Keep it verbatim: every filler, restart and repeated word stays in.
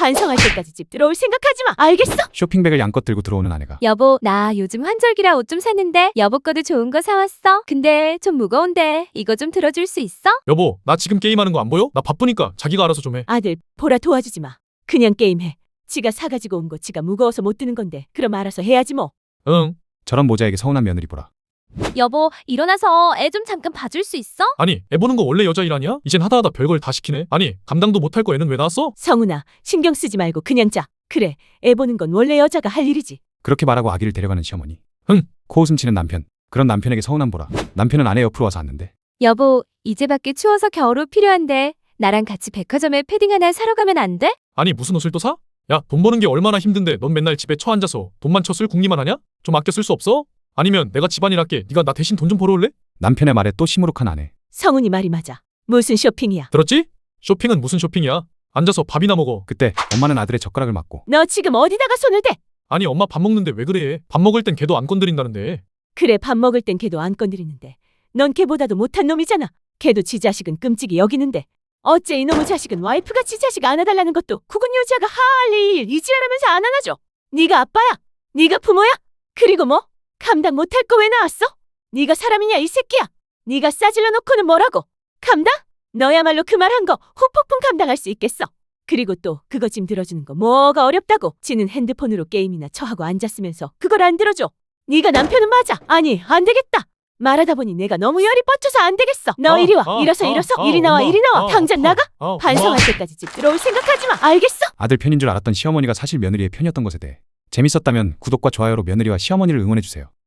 반성할 때까지 집 들어올 생각하지 마. 알겠어? 쇼핑백을 양껏 들고 들어오는 아내가 여보, 나 요즘 환절기라 옷 좀 샀는데 여보 거도 좋은 거 사왔어. 근데 좀 무거운데 이거 좀 들어줄 수 있어? 여보, 나 지금 게임하는 거 안 보여? 나 바쁘니까 자기가 알아서 좀 해. 아들, 보라 도와주지 마. 그냥 게임해. 지가 사가지고 온 거 지가 무거워서 못 드는 건데 그럼 알아서 해야지 뭐. 응. 저런 모자에게 서운한 며느리 보라. 여보, 일어나서 애 좀 잠깐 봐줄 수 있어? 아니, 애 보는 거 원래 여자 일 아니야? 이젠 하다하다 별걸 다 시키네. 아니, 감당도 못할 거 애는 왜 낳았어? 성훈아, 신경 쓰지 말고 그냥 자. 그래, 애 보는 건 원래 여자가 할 일이지. 그렇게 말하고 아기를 데려가는 시어머니. 흥. 코웃음 치는 남편. 그런 남편에게 서운한 보라. 남편은 아내 옆으로 와서 앉는데 여보, 이제 밖에 추워서 겨울옷 필요한데 나랑 같이 백화점에 패딩 하나 사러 가면 안 돼? 아니, 무슨 옷을 또 사? 야, 돈 버는 게 얼마나 힘든데 넌 맨날 집에 처 앉아서 돈만 쳐쓸 궁리만 하냐? 좀 아껴 쓸 수 없어? 아니면 내가 집안일 할게. 네가 나 대신 돈 좀 벌어올래? 남편의 말에 또 시무룩한 아내. 성훈이 말이 맞아. 무슨 쇼핑이야? 들었지? 쇼핑은 무슨 쇼핑이야? 앉아서 밥이나 먹어. 그때 엄마는 아들의 젓가락을 맞고 너 지금 어디다가 손을 대? 아니, 엄마 밥 먹는데 왜 그래? 밥 먹을 땐 걔도 안 건드린다는데. 그래, 밥 먹을 땐 걔도 안 건드리는데 넌 걔보다도 못한 놈이잖아. 걔도 지 자식은 끔찍이 여기는데 어째 이놈의 자식은 와이프가 지 자식 안아달라는 것도 국은 여자가 할 일 이지랄하면서 안 안아줘. 네가 아빠야? 네가 부모야? 그리고 뭐? 감당 못할 거 왜 나왔어? 네가 사람이냐 이 새끼야? 네가 싸질러 놓고는 뭐라고? 감당? 너야말로 그 말 한 거 후폭풍 감당할 수 있겠어? 그리고 또 그거 짐 들어주는 거 뭐가 어렵다고? 지는 핸드폰으로 게임이나 처하고 앉았으면서 그걸 안 들어줘. 네가 남편은 맞아. 아니, 안 되겠다. 말하다 보니 내가 너무 열이 뻗쳐서 안 되겠어. 너 아, 이리 와. 아, 일어서 아, 일어서. 아, 이리 나와 엄마, 이리 나와. 아, 당장 아, 나가. 아, 반성할 엄마. 때까지 집 들어올 생각하지 마. 알겠어? 아들 편인 줄 알았던 시어머니가 사실 며느리의 편이었던 것에 대해 재밌었다면 구독과 좋아요로 며느리와 시어머니를 응원해주세요.